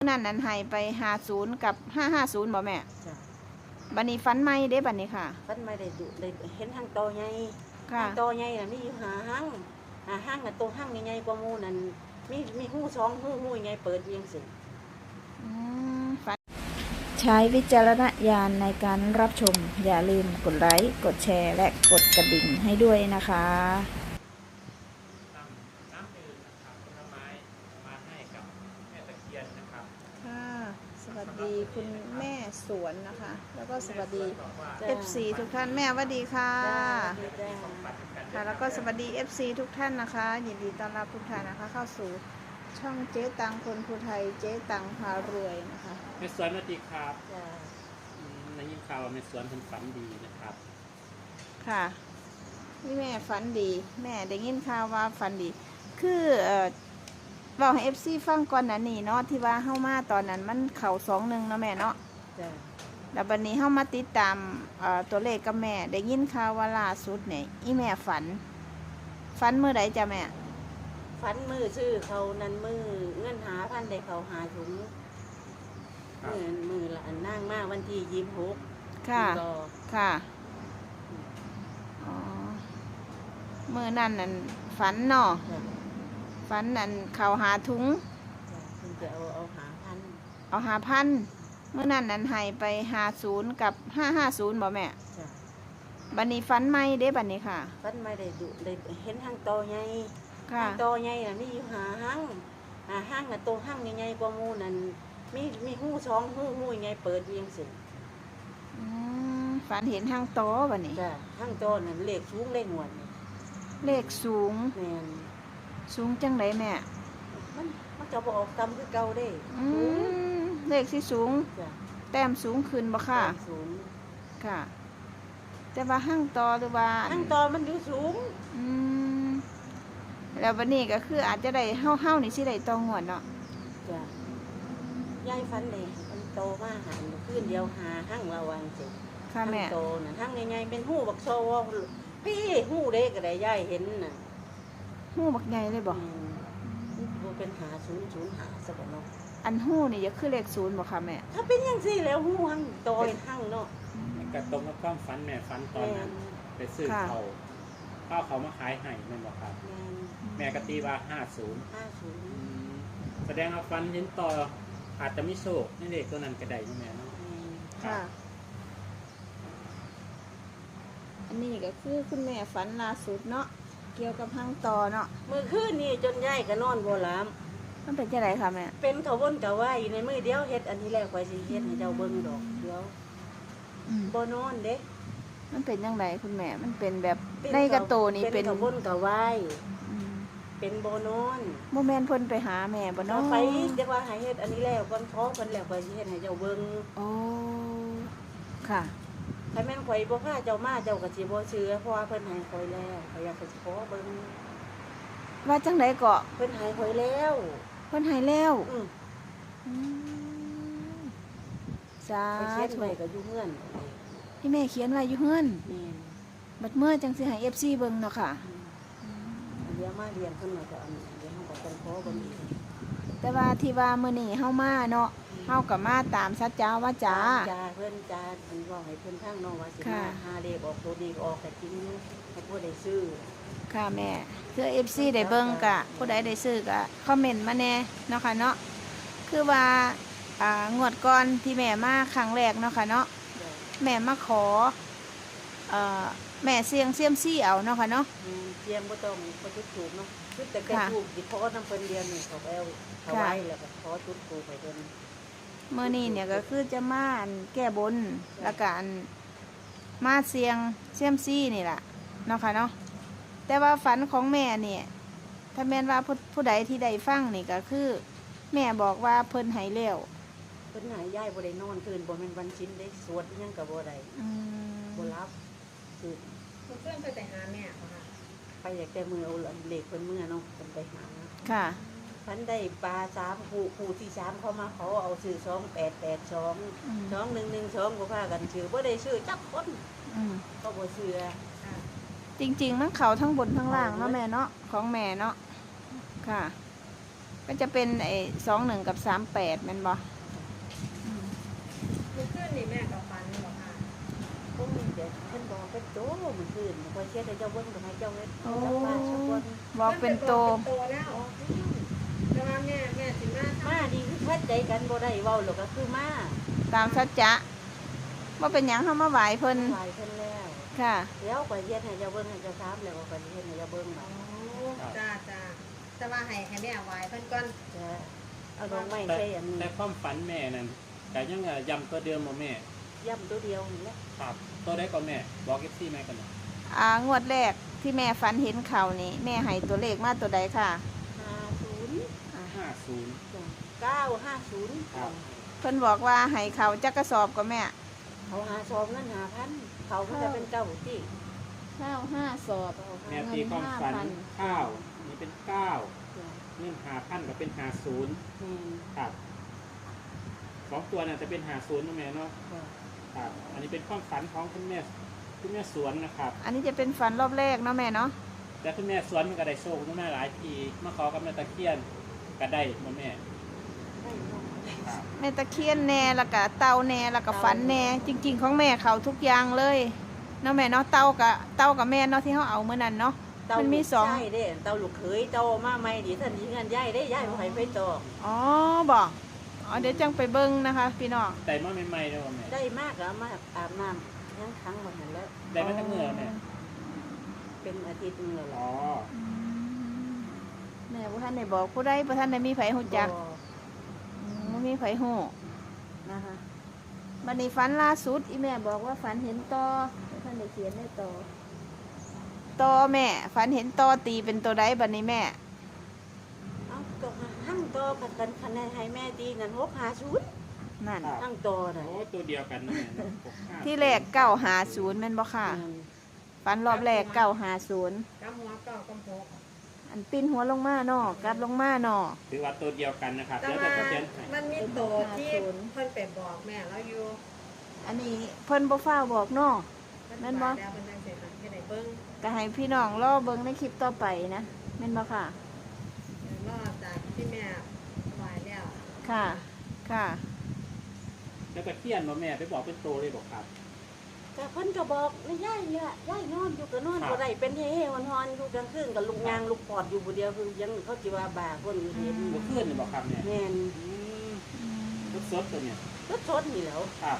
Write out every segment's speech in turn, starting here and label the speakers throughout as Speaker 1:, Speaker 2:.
Speaker 1: นั่นให้ไป50กับ550บ่แม่
Speaker 2: จ้ะ
Speaker 1: บัดนี้ฝันใหม่เด้บัดนี้ค่ะ
Speaker 2: ฟันไม่ได้ดุได้เห็นห้างโตใหญ่
Speaker 1: ค่ะ
Speaker 2: ห้างโตใหญ่น่ะมีอยู่หาห้างน่ะโตห้างใหญ่ๆกว่าหมู่นั่นมีหู้2หู้ใหญ่เปิดเวียงสิ
Speaker 1: ฝันใช้วิจารณญาณในการรับชมอย่าลืมกดไลค์กดแชร์และกดกระดิ่งให้ด้วยนะคะ
Speaker 3: น้ำดื่มนะครับผลไม้มาให้กับแม่ตะเคียนนะครับ
Speaker 1: ค่ะสวัสดีคุณแม่สวนนะคะ แล้วก็สวัสดี FC ทุกท่านแม่สวัสดีค่ะค่ะแล้วก็สวัสดี FC ทุกท่านนะคะยินดีต้อนรับทุกท่านนะคะ เข้าสู่ช่องเจ๊ตังคนภูไทยเจ๊ตังพารวยนะคะ
Speaker 3: แม่สวนสวัสดีครับ
Speaker 2: จ้ะ
Speaker 3: ในยินข่าวว่าแม่สวนเป็นฝันดีนะครับ
Speaker 1: ค่ะนี่แม่ฝันดีแม่ได้ยินข่าวว่าฝันดีคือบอกให้ FC ฟังก่อนนะนี่เนาะที่ว่าเข้ามาตอนนั้นมันเข่า21เนาะแม่เนาะ
Speaker 2: จ้ะ
Speaker 1: แล้ววันนี้เข้ามาติดตามตัวเลขกับแม่ได้ยินข่าวว่าล่าสุดเนี่ยอีแม่ฝันเมื่อใดจ้ะแม่
Speaker 2: ฟันมือชื่อเขานั้นมือเงินหาพันได้เขาหาถุงมือละอันนั่งมากวันที่26
Speaker 1: ค่ะค่ะอ๋อมื่อนั้นนั่นฝันเนาะฝันนั่นเขาหาถุง
Speaker 2: คุณจะเอาหาพัน
Speaker 1: เมื่อนั้นนั่นให้ไป50กับ550บ่แม่
Speaker 2: จ้ะ
Speaker 1: บัดนี้ฝันใหม่เด้บัดนี้ค่ะ
Speaker 2: ฟันไม่ได้ดุได้เห็นห้างโตใหญ่
Speaker 1: ค่ะ
Speaker 2: โตใหญ่น่ะมีอยู่หาห้างน่ะโตห้างใหญ่ๆกว่าหมู่นั่นมีหู้2หู้ใหญ่เปิดเวียงสิ
Speaker 1: ฝันเห็นห้างโตบัดนี้
Speaker 2: จ้ะห้างโตนั่นเลขสูงเลขหนวด
Speaker 1: เลขสูง
Speaker 2: แม่น
Speaker 1: สูงจังไดแม่
Speaker 2: มันจะบ่ออกตำคือเก่าเด้
Speaker 1: เลขที่สูง
Speaker 2: จ้ะ
Speaker 1: แต้มสูงขึ้นบ่ค่ะ
Speaker 2: สูง
Speaker 1: ค่ะแต่ว่าห้างโตหรือว่า
Speaker 2: ห้างโตมันอยู่สูง
Speaker 1: แล้ววันนี้ก็คืออาจจะได้เฮานี่สิได้ตองงวดเนาะ
Speaker 2: จ้ะยายฟันเลยมันโตมาหันขึ้นเดียวหาห้างระวังสิ
Speaker 1: ค่ะแม่
Speaker 2: โตน่ะห้างใหญ่ๆเป็นหู้บักโซพี่หู้เด้ก็ได้ยายเห็นน่ะ
Speaker 1: หู้บักใหญ่เลยบ่
Speaker 2: เป็นหา0 หาซะบ่เนาะ
Speaker 1: อันหู้นี่จะคือเลข0บ่ค่ะแม่
Speaker 2: ถ้าเป็นจังซี่แล้วหู้ห้างโตเป็นห้างเนาะ
Speaker 3: กระตรงกับความฝันแม่ฝันตอนนั้นไปซื้อเขามาขายให้แม่บอกครับแม่กตีว่า50แสดงว่าฝันเห็นต่ออาจจะมีโชคนี่เด็กตัวนั้นก็ได้แม่เนาะ
Speaker 1: ค่ะอันนี้ก็คือคุณแม่ฝันล่าสุดเนาะเกี่ยวกับห้างต่อเนาะ
Speaker 2: มื้อคืนนี้จนยายก็นอนบ่หลับ
Speaker 1: มันเป็นจังได๋ค่ะแม่
Speaker 2: เป็นเขาวนกะว่าอยู่ในมือเดียวเฮ็ดอันนี้แล้วข่อยสิเฮ็ดให้เจ้าเบิ่งดอกเดี๋ยวบ่นอนเด้
Speaker 1: มันเป็นจังไดคุณแม่มันเป็นแบบในกระโตนี่เป็น
Speaker 2: เขาวนกะว่าเป็นบ่นอน
Speaker 1: บ่แม่นเพิ่นไปหาแม่บ่เนาะ
Speaker 2: ไปเรียกว่าให้เฮ็ดอันนี้แล้วก่อนขอเพิ่นแล้วข่อยสิเฮ็ดให้เจ้าเบิ่ง
Speaker 1: โอ้ค่ะ
Speaker 2: ถ้าแม่นข่อยบ่พาเจ้ามาเจ้าก็สิบ่เชื่อเพราะว่าเพิ่นให้ข่อยแล้วข่อยอยากสิขอเบิ่ง
Speaker 1: ว่าจังได๋ก็
Speaker 2: เพิ่นให้ข่อยแล้ว
Speaker 1: เพิ่นให้แล้วสาธุ
Speaker 2: เขียนไว้ก็อยู่เฮือน
Speaker 1: ที่แม่เขียนไว้อยู่เฮือนบัดเมื่อจังสิให้ FC เบิ่งเนาะค่ะ
Speaker 2: เดี๋ยวมาเรียนเพิ่นก็อันเดี๋ยวเฮาก็ต้องขอเบิ่งอีก
Speaker 1: แต่ว่าที่ว่ามื้อนี้เฮามาเนาะเฮาก็มาตามสัจจาวาจา
Speaker 2: เพิ่นจ้าเพิ่นบอกให้เพิ่นทางน้องว่าสิมาหาเลขออกตัวนี้ออกแต่จริงอยู่ให้ผู้ใดซื้อ
Speaker 1: ค่ะแม่คือ FC ได้เบิ่งก็ผู้ใดได้ซื้อก็คอมเมนต์มาแน่เนาะค่ะเนาะคือว่างวดก่อนที่แม่มาครั้งแรกเนาะค่ะเนาะแม่มาขอแม่เสี่ยงเซียมซี่เอาเนาะค่ะเนาะ
Speaker 2: เสี่ยงบ่ต้องบ่จุดถูกเนาะจุดแต่แค่ถูกสิขอนำเพิ่นเรียนนี่เขาเอาไว้แล้วก็ขอจุดถูกไปเพิ่น
Speaker 1: มื้อนี้เนี่ยก็คือจะมาแก้บนแล้วก็มาเสี่ยงเซียมซี่นี่ล่ะเนาะค่ะเนาะแต่ว่าฝันของแม่เนี่ยถ้าแม่นว่าผู้ใดที่ได้ฟังนี่ก็คือแม่บอกว่าเพิ่นให้แล้ว
Speaker 2: เพิ่นให้ยายบ่ได้นอนคืนบ่แม่นวันชิ้นได้สวดอีหยังก็บ่ได้บ่รับคือ
Speaker 4: เพิ่นไปแต่หาแม่ค่ะ
Speaker 2: ไปอยากแต่มือเอาเหล็กเพิ่นมือเนาะเพิ่นไปหา
Speaker 1: ค่ะ
Speaker 2: เพิ่นได้ปลา3คู่ที่3เขามาเขาเอาซื้อ2882 2112ก็พากันซื้อบ่ได้ซื้อจักคนก็บ่เชื่อ
Speaker 1: จริงๆมันเข้าทั้งบนทั้งล่างเนาะแม่เนาะของแม่เนาะค่ะก็จะเป็นไอ้21กับ38แม่นบ่
Speaker 4: ลูกขึ้นนี่แม่กับฟันเหรอคะ
Speaker 2: พวกนี้เดี๋ยวเพิ่นบอกเป็นโตมื้อคืนพอเช็ดให้เจ้าเบิ่งก็ให้เจ้าเฮ็ด
Speaker 1: โอ้
Speaker 2: รับมาสักวัน
Speaker 1: บอกเป็นโต
Speaker 4: โตแล้วแต่ว่าแม่สิมา
Speaker 2: มาดีคือทัดใจกันบ่ได้เว้าหรอกก็คือมา
Speaker 1: ตามสัจจะว่าเป็นหยังเขามาไหวเพิ่น
Speaker 2: หลายเพิ่นแล้ว
Speaker 1: ค่ะ
Speaker 2: เดี๋ยวก็เฮ็ดให้เจ้าเบิ่งให้เจ้าถามแล้วก็เฮ็ดให้เจ้าเบิ่งบัด
Speaker 4: จ้าแต่ว่าให้แม่ไหวเพิ่นก่อน
Speaker 2: จะเอาดอกไม้
Speaker 3: แต่
Speaker 2: ใส่อันนี้
Speaker 3: แต่ความฝันแม่นั่นแต่ยังย้ำตัวเดิมบ่แม่
Speaker 2: ย่ำตัวเดียวนี่แหละ
Speaker 3: ครับตัวได้ก็แม่บอก FC แม่กันนะ
Speaker 1: งวดแรกที่แม่ฝันเห็นเขานี่แม่ให้ตัวเลขมาตัวใดค่ะ
Speaker 2: 50 950
Speaker 3: ครับ
Speaker 1: เพิ่นบอกว่าให้เขาจักกระสอบก็แม่
Speaker 2: เขาหาซองนั้น5,000เขามันจะเป็นเก้าที่
Speaker 1: ข้าว5สอบ
Speaker 3: แม่ตีความฝันข้าวนี่เป็น9เงิน5,000ก็เป็น50ครับสองตัวน่ะจะเป็น50นะแม่เนาะครับ อันนี้เป็นความฝันของคุณแม่สวนนะครับ
Speaker 1: อันนี้จะเป็นฝันรอบแรกเนาะแม่เนาะ
Speaker 3: แต่คุณแม่สวนมันก็ได้โชคคุณแม่หลายทีมาขอกับแม่ตะเคียนก็ได้มาแม่ครับ
Speaker 1: แม่ตะเคียนแน่แล้วก็เต่าแน่แล้วก็ฝันแน่จริง ๆ ของแม่เขาทุกอย่างเลยเนาะแม่เนาะเต่ากับแม่เนาะที่เขาเอาเมื่อนั้นเนาะมันมีสอง
Speaker 2: ใช่เด้เตาลูกเขยเตามาใหม่ดิท่านยิงกันย้ายได้ย้ายบ่ให้ไปต่อ
Speaker 1: อ๋อบอกอ๋อเดี๋ยวจังไปเบิ้งนะคะพี่น้อง
Speaker 3: แต่มาใหม่ๆเลยว่าแม่
Speaker 2: ได้มากก็มาอาบน้ำยังครั้งบ่ทันแล้ว
Speaker 3: ได้มาตั้งเมื่อแม่
Speaker 2: เป็นอาทิตย์นึงแล้ว
Speaker 3: อ๋
Speaker 2: ล่ะ
Speaker 3: อ
Speaker 1: แม่บ่ท่านได้บอกผู้ใดบ่ท่านได้มีไผฮู้จักบ่มีไผฮู้นะคะบัดนี้ฝันล่าสุดอีแม่บอกว่าฝันเห็นต่อท่านได้เขียนได้ต่อแม่ฝันเห็นต่อตีเป็นตัวใดบัดนี้แม่
Speaker 2: เอาก็หั่งต่อกันคะแนนให้แม่ดีนั่น650
Speaker 1: นั่น
Speaker 2: หั่งต่อน่ะ
Speaker 3: โอ้ตัวเดียวกันนะแม่เนาะ65
Speaker 1: ที่แรก950แม่นบ่ค่ะฝันรอบแรก950
Speaker 4: กำหัวเก่ากำโพก
Speaker 1: อันปิ้นหัวลงมาเนาะกัดลงมาเนาะ
Speaker 3: ถือว่าตัวเดียวกันนะครับ
Speaker 4: แต่
Speaker 3: แล้ว
Speaker 4: ว่า
Speaker 3: แต่เขียนให้
Speaker 4: มันมีโตที่เพิ่นไปบอกแม่แล้วอยู่
Speaker 1: อันนี้เพิ่นบ่ฟ้าวบอกเนาะ แม่นบ่
Speaker 4: แล้วเพิ่นจังสิให้ได้เบิ่ง
Speaker 1: ก็ให้พี่น้องรอเบิ่งในคลิปต่อไปนะแม่นบ่ค่ะ
Speaker 4: รอจากที่แม่ไหวแล้ว
Speaker 1: ค่ะค่ะ
Speaker 3: แล้วก็เขียนว่าแม่ไปบอกเป็นโตเลยบอกครับ
Speaker 2: ก็เพิ่นก็บอกไม่ย้ายเนี่ยย้ายนอนอยู่ก็นอนบ่ได้เป็นเฮ่ๆฮอนๆอยู่กลางคืนก็ลูกยางลูกปอดอยู่ผู้เดียวคือยังเขาสิว่าบ้าคนอยู่เห็น
Speaker 3: เมื่อคืนนี่บอกครับเนี่ย
Speaker 2: แม่น
Speaker 3: รถสดตัวเนี่ย
Speaker 2: รถชนนี่แหล้ว
Speaker 3: ครับ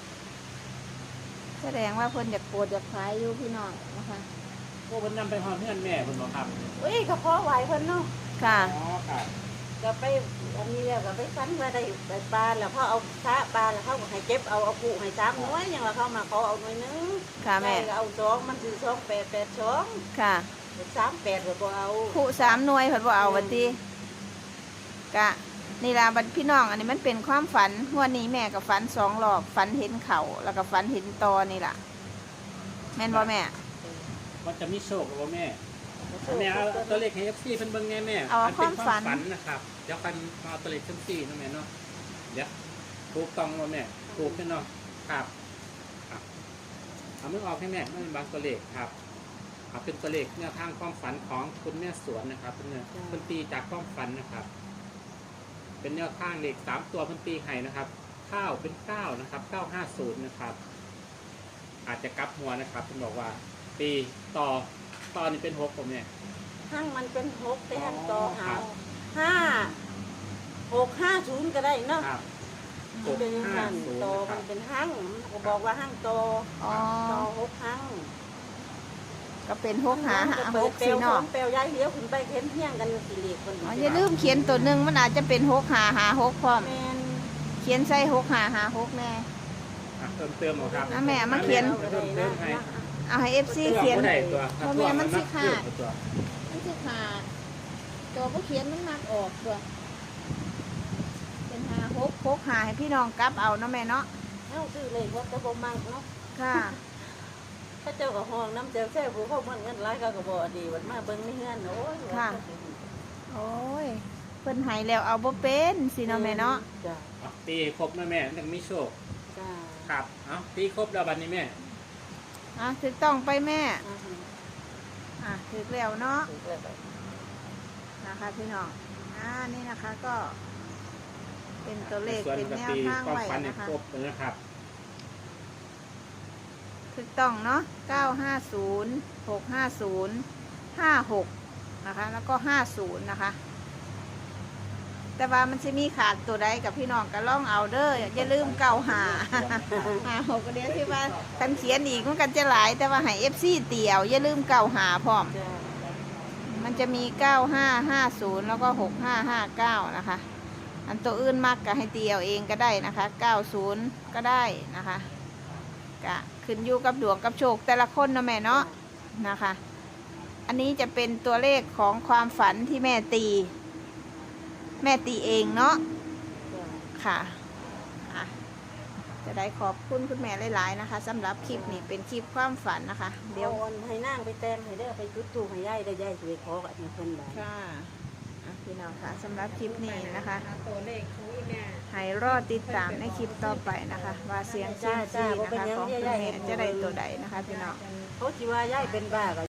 Speaker 1: แสดงว่าเพิ่นอยากโปรดอยากขายอยู่พี่น้องนะคะ
Speaker 3: พวกมันนำไปหอมเพื่อนแม่คุณบอกครับ
Speaker 2: เอ้ยก็พอไหวเพิ่นเนาะ
Speaker 1: ค่ะ
Speaker 3: อ๋อครับ
Speaker 2: ก็ไปอันนี้แล้วก็ไปฟันมาได้ปลาแล้วเขาเอาซะปลาแล้วเขาก็ให้เก็บเอาปูให้3หน่วยยังว่าเขามาขอเอาหน่วยนึง
Speaker 1: ค่ะแม่
Speaker 2: ได้ก็เอา2มันคือ2882
Speaker 1: ค่ะ
Speaker 2: 38ก็บ่เอา
Speaker 1: ผู้3หน่วยเพิ่นบ่เอาบัดนี้กะนี่ล่ะบัดพี่น้องอันนี้มันเป็นความฝันงวดนี้แม่ก็ฝัน2รอบฝันเห็นเขาแล้วก็ฝันเห็นตอนี่ล่ะแม่นบ่แม่
Speaker 3: มันจะมีโชคหรือว่าแม่แม่เอาตัวเลขให้ FC เพิ่นเบิ่งไงแม่
Speaker 1: เอา
Speaker 3: มันเป็น
Speaker 1: ความฝัน
Speaker 3: นะครับเดี๋ยวกันมาเอาตัวเลขทั้ง4นะแม่เนาะเดี๋ยวถูกต้องว่าแม่ถูกแน่เนาะครับครับเอามือออกให้แม่ไม่เป็นบางตัวเลขครับเอาเป็นตัวเลขแนวทางความฝันของคุณแม่สวนนะครับเพิ่นตีจากความฝันนะครับ เป็นแนวทางเลข3ตัวเพิ่นตีให้นะครับข้าวเป็น9นะครับ950นะครับ อาจจะกลับหัวนะครับเพิ่นบอกว่าปีต่อนี่เป็น6ผมเนี่ย
Speaker 2: หั่งมันเป็น6แต่หั่งต่อ
Speaker 3: ค
Speaker 2: หา
Speaker 3: รับ
Speaker 2: 5650ก็ได้เนาะ
Speaker 3: ครับ
Speaker 2: มันเป็นหั่ง
Speaker 3: 650
Speaker 2: ต่อ
Speaker 3: นะค
Speaker 2: มั
Speaker 3: รับ
Speaker 2: นเป็นหั่งมันก็บอกว่าหั่งต่อ
Speaker 1: อ๋อ
Speaker 2: ต่อ6หั่ง
Speaker 1: ก็เป็น6หา
Speaker 2: มันก็เปิด
Speaker 1: 6
Speaker 2: เปล
Speaker 1: สิ
Speaker 2: ว
Speaker 1: เนาะ
Speaker 2: เปลวย้ายเลี้ยวขึ้นไปเห็นเฮี้ยงกันสิเลขคน
Speaker 1: อ๋ออย่าลืมเขียนตัวหนึงมันอาจจะเป็น6หา6พร้อม
Speaker 2: แม่น
Speaker 1: เขียนใส่6หา6แน่
Speaker 3: อ่ะเติมเหรอครับ
Speaker 1: อ่ะแม่มาเขียน
Speaker 3: เติมให้
Speaker 1: เอาให้ FC
Speaker 3: เขี
Speaker 1: เขีย
Speaker 3: ย
Speaker 1: น
Speaker 3: นได้ตัว
Speaker 1: เพราะแม่มันสิขาด
Speaker 3: ตัว
Speaker 1: มันสิขาดตัวผู้เขียนมันมักออกตัวเป็น6 6หาให้พี่น้องกลับเอาเนาะแม่เนาะ
Speaker 2: เอ้าซื้อเลขว่าจะบ่มักเนาะ
Speaker 1: ค่ะ
Speaker 2: พระเจ้าก็ห้องน้ำเจ้าแท้ผู้เขามันเงินหลายก็บ่ดีบัดมาเบิ่งในเฮือนโอ้ย
Speaker 1: โอ้ยเพิ่นให้แล้วเอาบ่เป็นสิเนาะแม่เนาะ
Speaker 2: จ้ะ
Speaker 3: อ่ะตีครบนะแม่ยังมีโชค
Speaker 2: จ้ะ
Speaker 3: ครับเอาตีครบแล้วบัดนี้แม่
Speaker 1: อ่ะถูกต้องไปแม่
Speaker 2: อือฮึ
Speaker 1: ถูกแล้วเนาะ
Speaker 2: ถูกแล้ว
Speaker 1: นะคะพี่น้องนี่นะคะก็ เป็นตัวเลข
Speaker 3: ส่วน
Speaker 1: เป็น
Speaker 3: ปก
Speaker 1: แนว
Speaker 3: ติ
Speaker 1: ทาง
Speaker 3: ความ
Speaker 1: ไว้
Speaker 3: ฝันใน
Speaker 1: นะคะ
Speaker 3: ครบเลยนะครับ
Speaker 1: ถูกต้องเนาะ950 650 56นะคะแล้วก็50นะคะแต่ว่ามันจะมีขาดตัวใดกับพี่น้องก็ล่องเอาเด้ออย่าลืมเก่าหา หกก็เดียวที่ว่าคันเขียนอีกมันกันจะหลายแต่ว่าให้ FC เตี่ยวอย่าลืมเก่าหาพร้อม
Speaker 2: จ้า
Speaker 1: มันจะมี9550แล้วก็6559นะคะอันตัวอื่นมากก็ให้เตียวเองก็ได้นะคะ90ก็ได้นะคะก็ขึ้นอยู่กับดวงกับโชคแต่ละคนเนาะแม่เนาะนะคะ อันนี้จะเป็นตัวเลขของความฝันที่แม่ตีเองเนาะ
Speaker 2: จ้า
Speaker 1: ค่ะอ่ะ จะได้ขอบคุณคุณแม่หลายๆนะคะสำหรับคลิปนี้เป็นคลิปความฝันนะคะ เดี๋ยว
Speaker 2: อาให้นั่งไปแต้มให้ได้อไปจุดตูให้ยายได้ยายสวยขอกับเพิ่นได้
Speaker 1: ค่ะอ่ะพี่น้องค่ะสำหรับคลิปนี้นะคะ
Speaker 4: ตัวเลขของอีแม่
Speaker 1: ให้รอติดตามในคลิปต่อไปนะคะ ว่าเสียงเซียมซีนะคะของคุณแม่จะได้ตัวใดนะคะพี่น้อง
Speaker 2: เขาสิว่ายายเป็นบ้าก็